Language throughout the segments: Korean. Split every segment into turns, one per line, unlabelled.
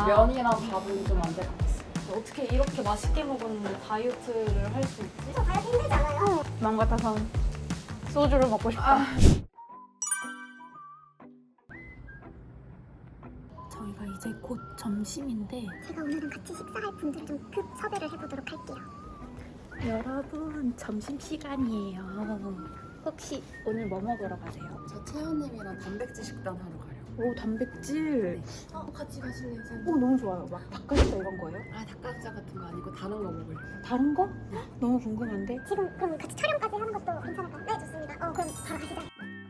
면이랑 밥은 좀 안 될 것 같습니다.
어떻게 이렇게 맛있게 먹었는데 다이어트를 할 수 있지?
다이어트 힘들지 않아요?
마음 같아선 소주를 먹고 싶다. 저희가 이제 곧 점심인데
제가 오늘은 같이 식사할 분들을 좀 급 섭외를 해보도록 할게요.
여러분 점심시간이에요. 혹시 오늘 뭐 먹으러 가세요?
저 채연님이랑 단백질 식단 하러 가려고.
오 단백질.
같이 가실래요, 선생님?
오 너무 좋아요. 막 닭가슴살 이런 거예요?
아, 닭가슴살 같은 거 아니고 다른 거 먹으려고.
다른 거? 너무 궁금한데?
지금 그럼 같이 촬영까지 하는 것도 괜찮을까요? 네, 좋습니다. 그럼 바로 가시죠.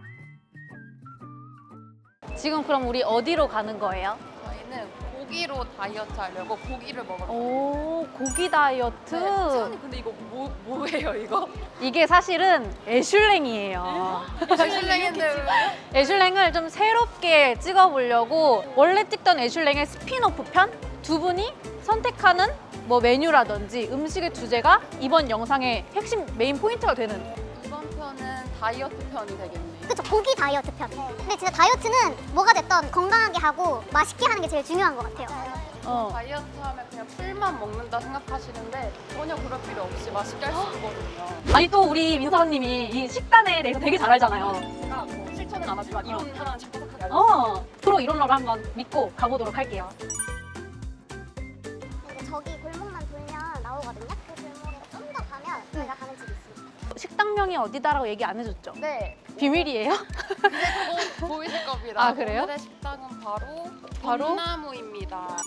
지금 그럼 우리 어디로 가는 거예요?
저희는 고기로 다이어트 하려고 고기를 먹으러.
오 고기 다이어트.
채연님 근데 이거 뭐예요 이거?
이게 사실은 애슐랭이에요.
애슐랭인데
애슐랭을 좀 새롭게 찍어보려고 원래 찍던 애슐랭의 스핀오프 편 두 분이 선택하는 뭐 메뉴라든지 음식의 주제가 이번 영상의 핵심 메인 포인트가 되는.
이번 편은 다이어트 편이 되겠네요.
그쵸, 고기 다이어트 편. 근데 진짜 다이어트는 뭐가 됐던 건강하게 하고 맛있게 하는 게 제일 중요한 것 같아요.
다이어트 하면 그냥 풀만 먹는다 생각하시는데 전혀 그럴 필요 없이 맛있게 할 수 있거든요.
아니 또 우리 민서님이 이 식단에 대해서 되게 잘 알잖아요.
제가 뭐 실천은 안 하지만 이론 하나는 자꾸자꾸 알고
프로 이론러를 한번 믿고 가보도록 할게요.
그리고 저기 골목만 돌면 나오거든요. 그 골목에 좀 더 가면 저희가 가는 집이 있습니다.
식당명이 어디다라고 얘기 안 해줬죠?
네,
비밀이에요?
이제 곧 보이실 겁니다.
아, 그래요?
오늘의 식당은 바로
바로?
봄나무입니다.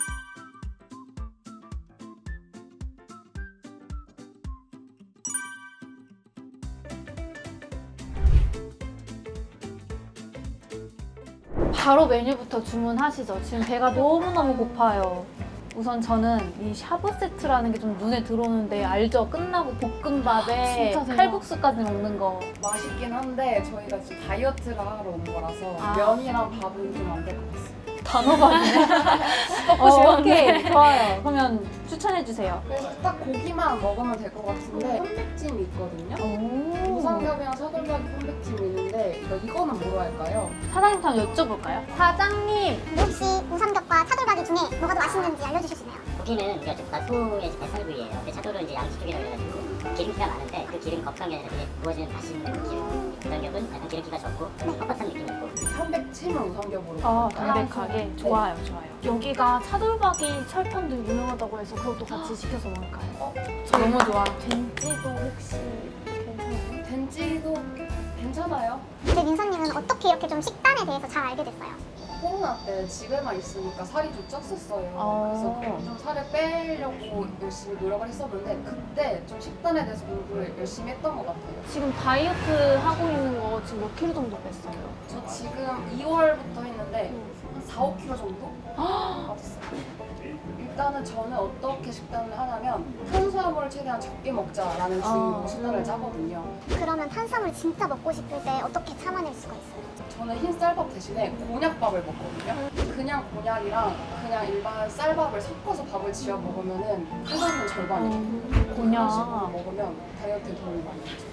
바로 메뉴부터 주문하시죠. 지금 배가 너무너무 고파요. 우선 저는 이 샤브 세트라는 게 좀 눈에 들어오는데 알죠? 끝나고 볶음밥에
진짜 대박.
칼국수까지 먹는 거.
맛있긴 한데 저희가 지금 다이어트를 하러 온 거라서
아.
면이랑 밥은 좀 안 될 것 같습니다.
단호박이네.
먹고 싶었네.
오케이, 좋아요. 그러면 추천해주세요.
그래서 딱 고기만 먹으면 될 것 같은데 편백찜이 있거든요.
오.
우삼겹이랑 차돌박이 편백찜이 있는데 이거는 뭐로 할까요?
사장님한테 한번 여쭤볼까요? 사장님!
혹시 우삼겹과 차돌박이 중에 뭐가 더 맛있는지 알려주실 수 있나요?
고기는 우리가 좀 소의 뱃살 부위예요. 근데 차돌은 이제 양식 쪽이라 그래가지고 기름기가 많은데 그 기름이 거북한 게 아니라 되게 구워지는 맛있는 그 기름. 우삼겹은 약간 기름기가 적고 좀 뻣뻣한 느낌이 있고.
편백찜은 우삼겹으로.
담백하게. 좋아요, 좋아요.
여기가 차돌박이 철판도 유명하다고 해서 그것도 같이 시켜서 먹을까요?
저 너무 좋아.
된지도 혹시 괜찮아요?
된지도 괜찮아요.
근데 민서님은 어떻게 이렇게 좀 식단에 대해서 잘 알게 됐어요?
코로나 때 집에만 있으니까 살이 좀 쪘었어요. 그래서 좀 살을 빼려고 열심히 노력을 했었는데 그때 좀 식단에 대해서 공부를 열심히 했던 것 같아요.
지금 다이어트 하고 있는 거 지금 몇 킬로 정도 뺐어요?
저 지금 2월부터 했는데 한 4, 5kg 정도 빠졌어요. 일단은 저는 어떻게 식단을 하냐면 탄수화물을 최대한 적게 먹자라는 주의로 식단을 짜거든요.
그러면 탄수화물 진짜 먹고 싶을 때 어떻게 참아낼 수가 있어요?
저는 흰 쌀밥 대신에 곤약밥을 먹거든요. 그냥 곤약이랑 그냥 일반 쌀밥을 섞어서 밥을 지어 먹으면은 탄수화물 절반이에요.
곤약.
그런 식으로 먹으면 다이어트에 도움이 많이 되죠.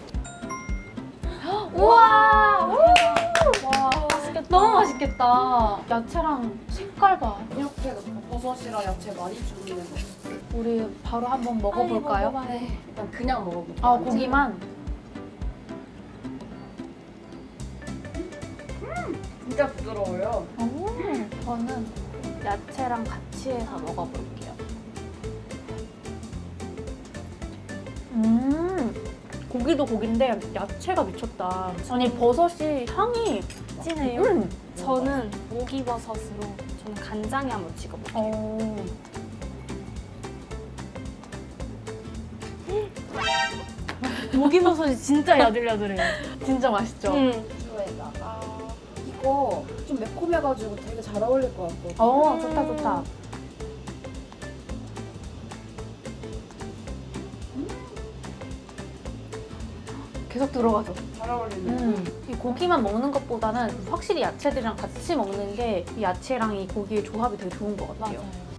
우와!
와, 맛있겠다.
너무 맛있겠다. 야채랑 색깔 봐.
이렇게 넣고 버섯이랑 야채 많이 주는 거.
우리 바로 한번 먹어볼까요?
네, 일단 그냥 먹어볼게요.
아, 고기만?
진짜 부드러워요.
저는 야채랑 같이 해서 먹어볼게요. 고기도 고기인데 야채가 미쳤다. 아니 버섯이 향이
진해요? 저는 오기버섯으로 저는 간장에 한번 찍어볼게요. 오기버섯이 진짜 야들야들해요.
진짜 맛있죠?
주에다가 이거 좀 매콤해가지고 되게 잘 어울릴 것 같거든요.
좋다 좋다. 계속 들어가죠.
잘 어울리는.
이 고기만 먹는 것보다는 확실히 야채들이랑 같이 먹는 게 이 야채랑 이 고기의 조합이 되게 좋은 것 같아요.
맞아요.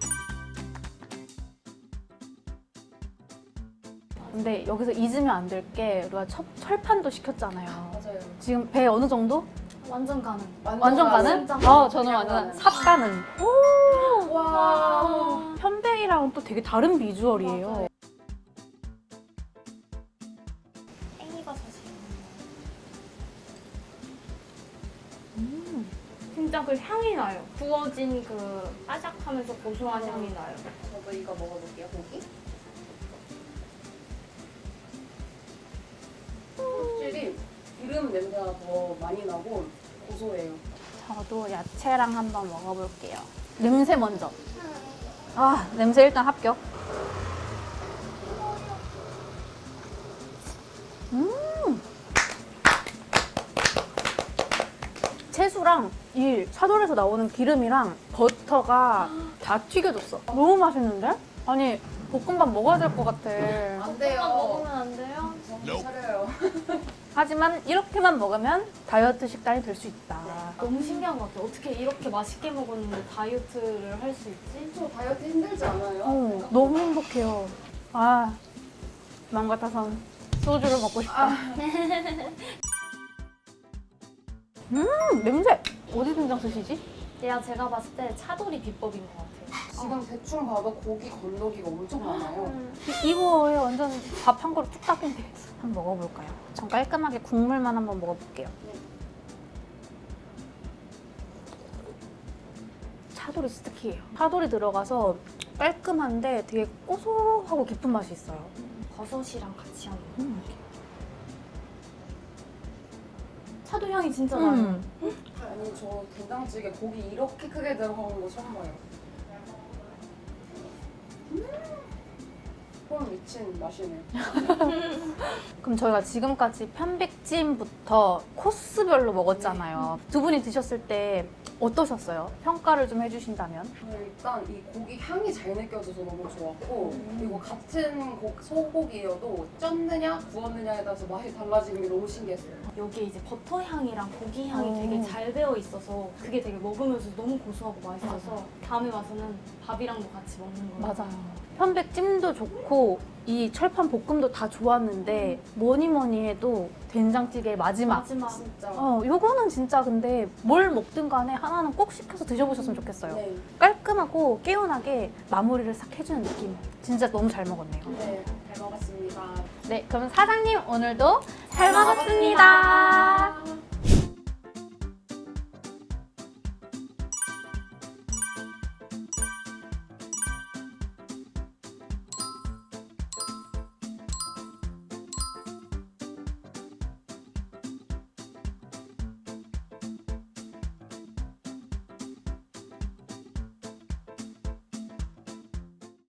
근데 여기서 잊으면 안 될 게 우리가 철판도 시켰잖아요.
맞아요.
지금 배 어느 정도?
완전 가능.
완전 가는?
진짜
저는
그냥
완전
가는.
삽 가는.
와.
야채랑은 또 되게 다른 비주얼이에요.
땡이가 사실. 진짜 그 향이 나요. 구워진 그 바삭하면서 고소한 향이 나요.
저도 이거 먹어볼게요, 고기. 확실히 기름 냄새가 더 많이 나고 고소해요.
저도 야채랑 한번 먹어볼게요. 냄새 먼저. 아, 냄새 일단 합격. 채소랑 이 차돌에서 나오는 기름이랑 버터가 다 튀겨졌어. 너무 맛있는데? 아니, 볶음밥 먹어야 될 것 같아.
안 돼요.
먹으면 안 돼요?
정신 차려요.
하지만 이렇게만 먹으면 다이어트 식단이 될 수 있다.
너무 신기한 것 같아요. 어떻게 이렇게 맛있게 먹었는데 다이어트를 할 수 있지?
저 다이어트 힘들지 않아요?
너무 행복해요. 아, 마음 같아선 소주를 먹고 싶다. 냄새! 어디 된장 쓰시지?
제가 봤을 때 차돌이 비법인 것 같아요.
지금 대충 봐도 고기 건더기가 엄청 많아요.
이거에 완전 밥 한 그릇 뚝딱인데. 한번 먹어볼까요? 전 깔끔하게 국물만 한번 먹어볼게요. 차돌이 진짜 키예요. 차돌이 들어가서 깔끔한데 되게 고소하고 깊은 맛이 있어요.
버섯이랑 같이 하는 거. 차돌 향이 진짜 나요.
아니 저 된장찌개 고기 이렇게 크게 들어가는 거 처음 봐요. 헐 미친 맛이네.
그럼 저희가 지금까지 편백찜부터 코스별로 먹었잖아요. 두 분이 드셨을 때 어떠셨어요? 평가를 좀 해주신다면?
저는 일단 이 고기 향이 잘 느껴져서 너무 좋았고 그리고 같은 소고기여도 쪘느냐 구웠느냐에 따라서 맛이 달라지는 게 너무 신기했어요.
여기에 이제 버터 향이랑 고기 향이
오.
되게 잘 배어 있어서 그게 되게 먹으면서 너무 고소하고 맛있어서 다음에 와서는 밥이랑도 같이 먹는 거예요.
맞아요. 편백찜도 좋고 이 철판 볶음도 다 좋았는데 뭐니 해도 된장찌개의 마지막.
진짜.
요거는 진짜 근데 뭘 먹든 간에 하나는 꼭 시켜서 드셔보셨으면 좋겠어요.
네.
깔끔하고 개운하게 마무리를 싹 해주는 느낌. 진짜 너무 잘 먹었네요.
네, 잘 먹었습니다.
네, 그럼 사장님 오늘도 잘 먹었습니다.